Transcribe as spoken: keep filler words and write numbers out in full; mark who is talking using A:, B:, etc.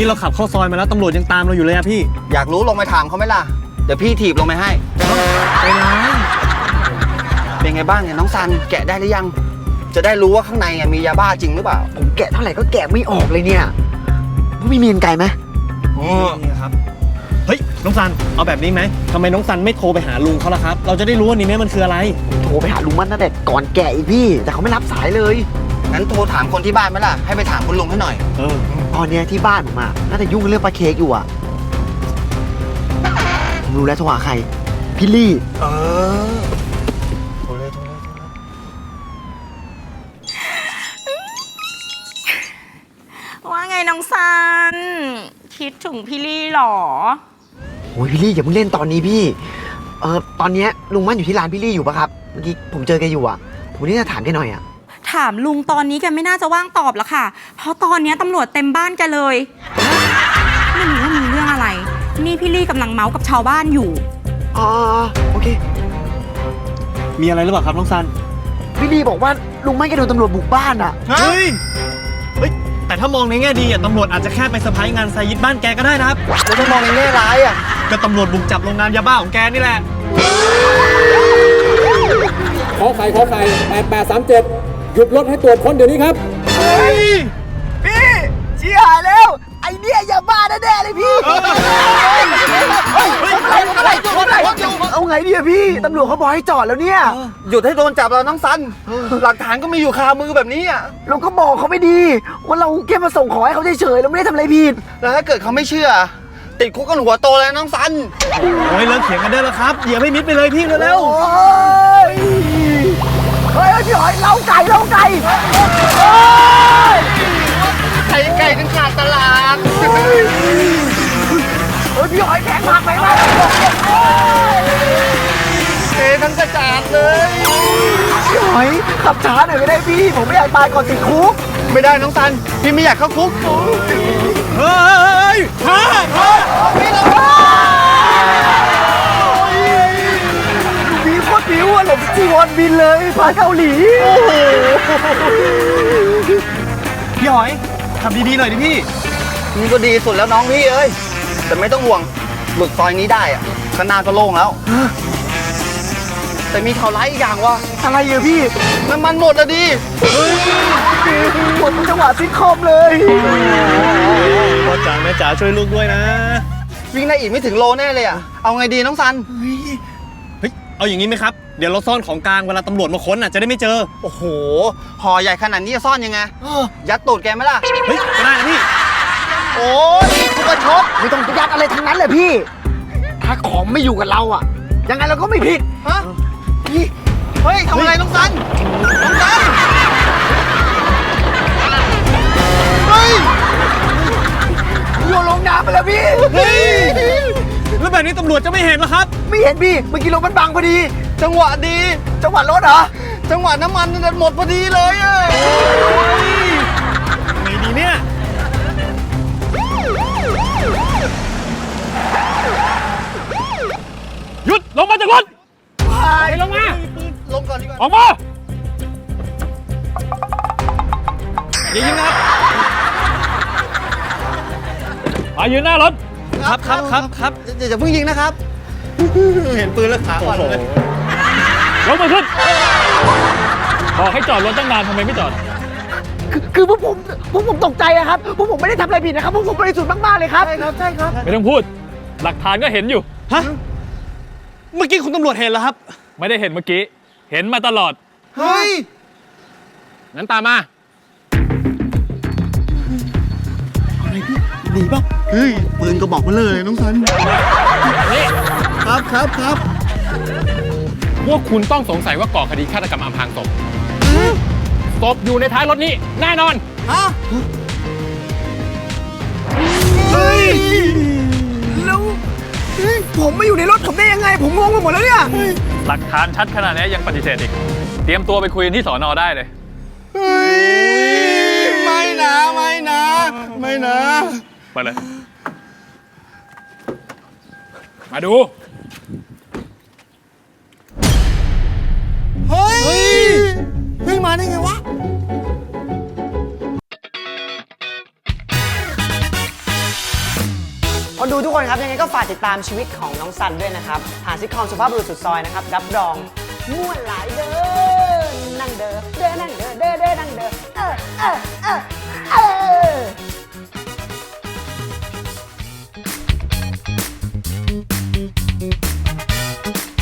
A: นี่เราขับเข้าซอยมาแล้วตำรวจยังตามเราอยู่เลยอะพี่
B: อยากรู้ลงไปถามเขาไหมล่ะเดี๋ยวพี่ถีบลงไปให้
A: ไปนะ
B: เป็นไงบ้างเนี่ยน้องซันแกะได้หรือยังจะได้รู้ว่าข้างในมียาบ้าจริงหรือเปล่า
C: ผมแกะเท่าไหร่ก็แกะไม่ออกเลยเนี่ยไม่มีเงินไกลไหม
A: นี่ครับเฮ้ยน้องซันเอาแบบนี้ไหมทำไมน้องซันไม่โทรไปหาลุงเขาล่ะครับเราจะได้รู้ว่านี่แม่มันคืออะไร
C: โทรไปหาลุงมันตั้งแต่ก่อนแกะอีกพี่แต่เขาไม่รับสายเลย
B: งั้นโทรถามคนที่บ้านไหมล่ะให้ไปถามคุณลุงให้หน่อย
A: เออ
C: ตอนนี้ที่บ้านผมอ่ะน่าจะยุ่งเรื่องปลาเค้กอยู่อ่ะผมรู้แล้วโทรหาใครพี่ลี่
B: เออโทรเลยโทรเลย
D: ว่าไงน้องซันคิดถึงพี่ลี่หรอ
C: โอ้ยพี่ลี่อย่าเพิ่งเล่นตอนนี้พี่เออตอนนี้ลุงมั่นอยู่ที่ร้านพี่ลี่อยู่ปะครับเมื่อกี้ผมเจอแกอยู่อ่ะผมนี่จะถามแกหน่อยอ่ะ
D: ถามลุงตอนนี้แกไม่น่าจะว่างตอบแล้วค่ะเพราะตอนนี้ตำรวจเต็มบ้านแกเลยไม่รู้ว่ามีเรื่องอะไรนี่พี่ลี่กำลังเมาส์กับชาวบ้านอยู่
C: อ๋อโอเค
A: มีอะไรหรือเปล่าครับน้องซัน
C: พี่ลี่บอกว่าลุงมั่นแกโดนตำรวจบุกบ้านอ่ะ
A: เฮ้ยเฮ้ยแต่ถ้ามองในแง่ดีอ่ะตำรวจอาจจะแค่ไปเซอร์ไพรส์งานไซยิดบ้านแกก็ได้นะครับ
B: แล้วถ้ามองในแง่ร้ายอ่ะ
A: ก็ตำรวจบุกจับโรงงานยาบ้าของแกนี่แหละ
E: ขอไข่ขอไข่แปดแปดสามเจ็ดหยุดรถให้ตรวจค้นเดี๋ยวนี้ครับ
C: เฮ้ยพี่ชี้หายแล้วไอเนี่ยยาบ้าแน่ๆเลยพี่เอาไงดีอะพี่ตำรวจเขาบอกให้จอดแล้วเนี่ย
B: หยุดให้โดนจับแล้วน้องซันหลักฐานก็มีอยู่คามือแบบนี้อ่ะ
C: เราก็บอกเขาไม่ดีว่าเราแค่มาส่งของให้เขาเฉยๆเราไม่ได้ทำอะไรผิด
B: แล้วถ้าเกิดเขาไม่เชื่อติดคุกกันหัวโตเลยน้องซัน
A: โอ้ยเลิกเถียงกันได้แล้วครับอย่าไม่มิดไปเลยพี่เร็วๆ
C: เฮ้ยพี่หอยเล้าไก่เล้าไก่
B: ไข่ไก่กันขาดตลาด
C: เฮ้ยพี่หอยแข็งมากไปมาก
B: เททั้งกระจาดเลย
C: พี่หอยขับช้าหน่อยไม่ได้พี่ผมไม่อยากตายก่อนติดคุก
B: ไม่ได้น้องซันพี่ไม่อยากเข้าคุก
A: เฮ้ยฮ่าฮ่า
C: พี่เราบิวโคตรบิวอะหลบจีวอนบินเลยพาเกาหลีโอ้โห
A: พี่หอยทำดีๆหน่อยดิพี่
B: นี่ก็ดีสุดแล้วน้องพี่เอ้ยแต่ไม่ต้องห่วงหลุดซอยนี้ได้อะข้างหน้าก็โล่งแล้วแต่มีข่าวร้ายอีกอย่างว่า
C: อะไรอะพี่
B: น้ำมันหมดอะดิ
C: หมดจังหวะซิทคอมเลย
A: พ่อจ๋าแม่จ๋าช่วยลูกด้วยนะ
B: วิ่งได้อีกไม่ถึงโลแน่เลยอะเอาไงดีน้องซัน
A: เฮ้ยเอาอย่างนี้ไหมครับเดี๋ยวเราซ่อนของกลางเวลาตำรวจมาค้นอ่ะจะได้ไม่เจอ
B: โอ้โหห่อใหญ่ขนาดนี้จะซ่อนยังไงยัดตูดแกไหมล่ะ
A: เฮ้ยก็ได้นะพี่
B: โอ้ยคุณประชด
C: ไม่ต้องยัดอะไรทั้งนั้นเลยพี่ถ้าของไม่อยู่กับเราอ่ะยังไงเราก็ไม่ผิด
B: ฮะพี่เฮ้ยทำอะไรน้องซันน้องซันเฮ้ย
C: โยนลงน้ำไปแล้วพี่
A: เฮ้ยแล้วแบบนี้ตำรวจจะไม่เห็นหรอครับ
C: ไม่เห็นพี่เมื่อกี้รถมันบังพอดี
B: จังหวะดี
C: จังหวะรถเหรอ
B: จังหวะน้ำมันมันหมดพอดีเลยอ่ะ
A: ไงดีเนี่ยหยุดลงมาจากรถไปลงมา
B: ลงก่อนดีกว่า
A: ออกมาอย่ายิงนะครับมายืนหน้ารถครับครับครับครับ
B: อย่าเพิ่งยิงนะครับเห็นปืนแล้วขาอ่อนเลย
A: ลงมาขึ้นบอกให้จอดรถตั้งนานทำไมไม่จอด
C: คือคือพวกผมพวกผมตกใจอะครับพวกผมไม่ได้ทำอะไรผิดนะครับพวกผมบริสุทธิ์มากๆเลยครับ
B: ใช่ครับใช่ครับ
A: ไม่ต้องพูดหลักฐานก็เห็นอยู่ฮะเมื่อกี้คุณตำรวจเห็นแล้วครับไม่ได้เห็นเมื่อกี้เห็นมาตลอด
B: เฮ้ย
A: งั้นตามมาอะไรพี่หนีป่ะ
B: เฮ้ยปืนก็บอกมาเลยน้องซัน
A: นี่
B: ครับครับครับ
A: พวกคุณต้องสงสัยว่าก่อคดีฆาตกรรมอำพรางศพศพอยู่ในท้ายรถนี้แน่นอน
B: ฮะเฮ้ย
C: แล้วผมไม่อยู่ในรถผมได้ยังไงผมงงไปหมดแล้วเนี่ย
A: หลักฐานชัดขนาดนี้ยังปฏิเสธอีกเตรียมตัวไปคุยกันที่สอนอได้เลย
B: เฮ้ยไม่นะไม่นะไม่นะ
A: ไปเลยมาดู
B: เฮ้ยเฮ้ยมาได้ไงวะ
C: คนดูทุกคนครับยังไงก็ฝากติดตามชีวิตของน้องซันด้วยนะครับผ่านซิทคอมสุภาพบุรุษสุดซอยนะครับรับรองม่วนหลายเด้อนั่งเด้อเด้อนั่งเด้อเด้อ